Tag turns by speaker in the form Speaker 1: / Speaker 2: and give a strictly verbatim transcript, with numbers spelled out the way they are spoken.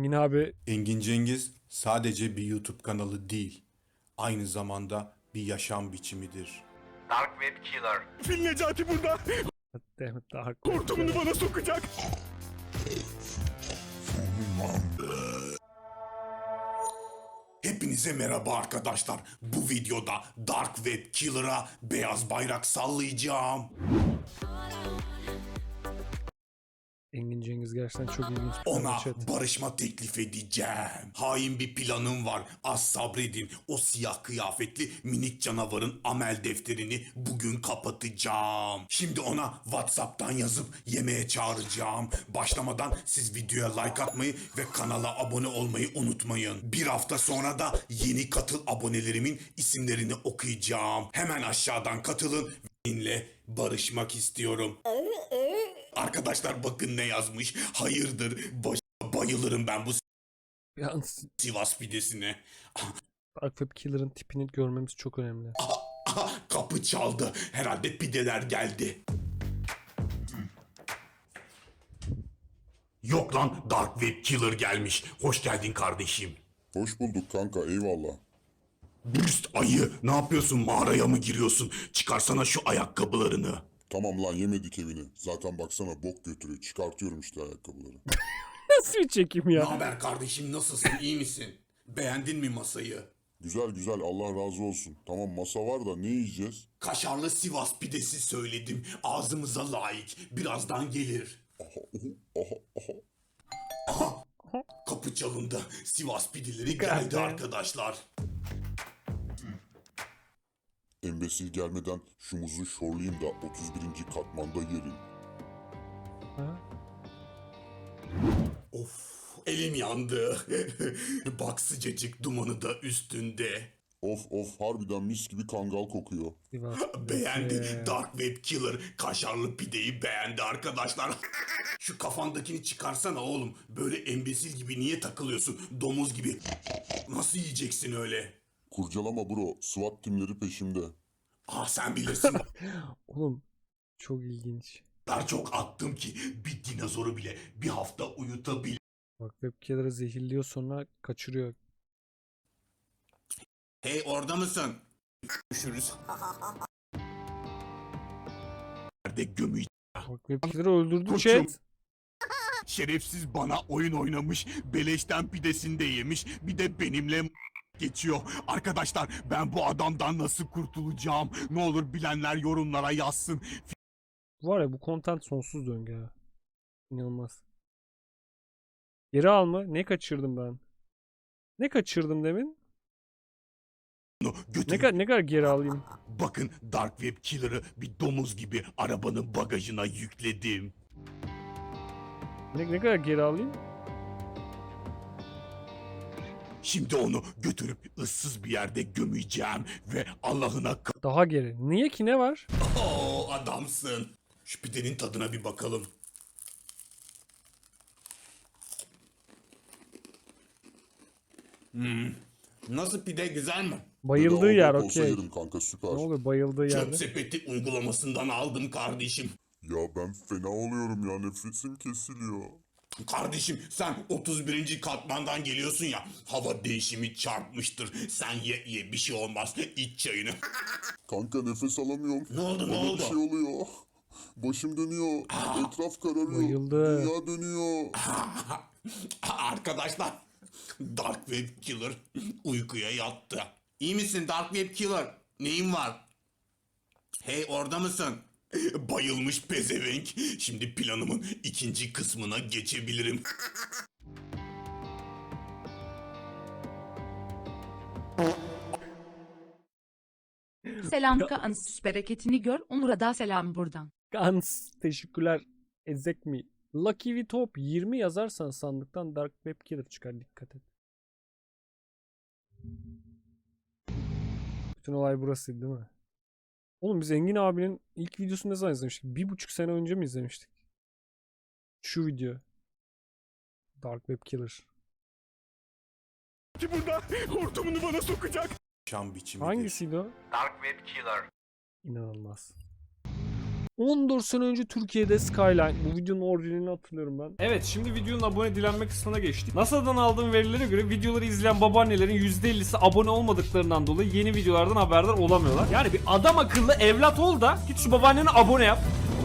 Speaker 1: Engin abi
Speaker 2: Engin Cengiz sadece bir YouTube kanalı değil, aynı zamanda bir yaşam biçimidir.
Speaker 3: Dark Web Killer.
Speaker 4: Fil Necati burada.
Speaker 1: Demet daha
Speaker 4: Hortumunu bana sokacak.
Speaker 2: Hepinize merhaba arkadaşlar. Bu videoda Dark Web Killer'a beyaz bayrak sallayacağım.
Speaker 1: Engin Cengiz gerçekten çok ilginç bir
Speaker 2: Ona
Speaker 1: chat.
Speaker 2: barışma teklif edeceğim. Hain bir planım var. Az sabredin. O siyah kıyafetli minik canavarın amel defterini bugün kapatacağım. Şimdi ona WhatsApp'tan yazıp yemeğe çağıracağım. Başlamadan siz videoya like atmayı ve kanala abone olmayı unutmayın. Bir hafta sonra da yeni katıl abonelerimin isimlerini okuyacağım. Hemen aşağıdan katılın. Benimle barışmak istiyorum. Arkadaşlar bakın ne yazmış. Hayırdır baş bayılırım ben bu
Speaker 1: Yalnız
Speaker 2: Sivas pidesine.
Speaker 1: Dark Web Killer'ın tipini görmemiz çok önemli.
Speaker 2: Aha, kapı çaldı. Herhalde pideler geldi. Yok lan, Dark Web Killer gelmiş. Hoş geldin kardeşim.
Speaker 5: Hoş bulduk kanka, eyvallah.
Speaker 2: Bürst ayı, ne yapıyorsun, mağaraya mı giriyorsun? Çıkarsana şu ayakkabılarını.
Speaker 5: Tamam lan, yemedik evini. Zaten baksana bok götürüyor. Çıkartıyorum işte ayakkabıları.
Speaker 1: Nasıl bir çekim
Speaker 2: Ne
Speaker 1: ya?
Speaker 2: haber kardeşim, nasılsın, iyi misin? Beğendin mi masayı?
Speaker 5: Güzel güzel, Allah razı olsun. Tamam, masa var da ne yiyeceğiz?
Speaker 2: Kaşarlı Sivas pidesi söyledim. Ağzımıza layık. Birazdan gelir.
Speaker 5: Aha, aha, aha.
Speaker 2: Aha. Kapı çalındı. Sivas pideleri geldi
Speaker 1: Geldi.
Speaker 2: arkadaşlar.
Speaker 5: Embesil gelmeden şu muzu şorlayayım da otuz birinci katmanda yerim.
Speaker 1: Ha?
Speaker 2: Of, elim yandı. Bak sıcacık dumanı da üstünde.
Speaker 5: Of of, harbiden mis gibi kangal kokuyor.
Speaker 1: Sivas
Speaker 2: Beğendi.
Speaker 1: pidesi.
Speaker 2: Dark Web Killer kaşarlı pideyi beğendi arkadaşlar. Şu kafandakini çıkarsana oğlum. Böyle embesil gibi niye takılıyorsun? Domuz gibi. Nasıl yiyeceksin öyle?
Speaker 5: Kurcalama bro, SWAT timleri peşimde.
Speaker 2: Ah sen bilirsin.
Speaker 1: Oğlum çok ilginç.
Speaker 2: Ben çok attım ki bir dinozoru bile bir hafta uyutabilir.
Speaker 1: Bak Web Killer'ı zehirliyor sonra kaçırıyor.
Speaker 2: Hey, orada mısın? Görüşürüz. Nerede gömü?
Speaker 1: Bak Web Killer'ı öldürdü
Speaker 2: Koçum.
Speaker 1: chat.
Speaker 2: Şerefsiz bana oyun oynamış, beleşten pidesini de yemiş, bir de benimle geçiyor. Arkadaşlar ben bu adamdan nasıl kurtulacağım? Ne olur bilenler yorumlara yazsın.
Speaker 1: Var ya bu content sonsuz döngü ha. İnanılmaz. Geri al mı? Ne kaçırdım ben? Ne kaçırdım demin?
Speaker 2: Onu
Speaker 1: Ne
Speaker 2: götürüp
Speaker 1: kadar ne kadar geri alayım?
Speaker 2: bakın, Dark Web Killer'ı bir domuz gibi arabanın bagajına yükledim.
Speaker 1: Ne, ne kadar geri alayım?
Speaker 2: Şimdi onu götürüp ıssız bir yerde gömeceğim ve Allah'ına ka-
Speaker 1: Daha geri. Niye ki, ne var?
Speaker 2: Oo, adamsın. Şu pidenin tadına bir bakalım. Hmm. Nasıl pide, güzel mi?
Speaker 1: Bayıldığı
Speaker 5: Bedava
Speaker 1: yer
Speaker 5: bok olsa
Speaker 1: okey.
Speaker 5: yerim kanka, süper.
Speaker 1: Ne oluyor bayıldığı
Speaker 2: Çöp
Speaker 1: yerde?
Speaker 2: sepeti uygulamasından aldım kardeşim.
Speaker 5: Ya ben fena oluyorum ya, nefesim kesiliyor.
Speaker 2: Kardeşim sen otuz birinci katmandan geliyorsun ya, hava değişimi çarpmıştır. Sen ye ye, bir şey olmaz, iç çayını.
Speaker 5: Kanka nefes alamıyorum.
Speaker 2: Ne oldu, ne
Speaker 5: Bana
Speaker 2: oldu?
Speaker 5: bir şey oluyor. Başım dönüyor. Etraf kararıyor.
Speaker 1: Bayıldı.
Speaker 5: Dünya dönüyor.
Speaker 2: Arkadaşlar, Dark Web Killer uykuya yattı. İyi misin Dark Web Killer? Neyin var? Hey, orada mısın? Bayılmış pezevenk. Şimdi planımın ikinci kısmına geçebilirim.
Speaker 6: Selam Kaans, bereketini gör. Onur'a da selam buradan.
Speaker 1: Gans. Teşekkürler. Ezek mi? Lucky V Top yirmi yazarsan sandıktan Dark Web Killer çıkar, dikkat et. Bütün olay burası değil mi? Oğlum biz Engin abinin ilk videosunu ne zaman izlemiştik? Bir buçuk sene önce mi izlemiştik? Şu video. Dark Web Killer.
Speaker 4: Ki burada hortumunu bana sokacak.
Speaker 2: Şam biçimidir.
Speaker 1: Hangisiydi o?
Speaker 3: Dark Web Killer.
Speaker 1: İnanılmaz. on dört sene önce Türkiye'de Skyline. Bu videonun orijinalini hatırlıyorum ben.
Speaker 3: Evet, şimdi videonun abone dilenme kısmına geçtik. NASA'dan aldığım verilere göre videoları izleyen babaannelerin yüzde ellisi abone olmadıklarından dolayı yeni videolardan haberdar olamıyorlar. Yani bir adam akıllı evlat ol da git şu babaanneni abone yap.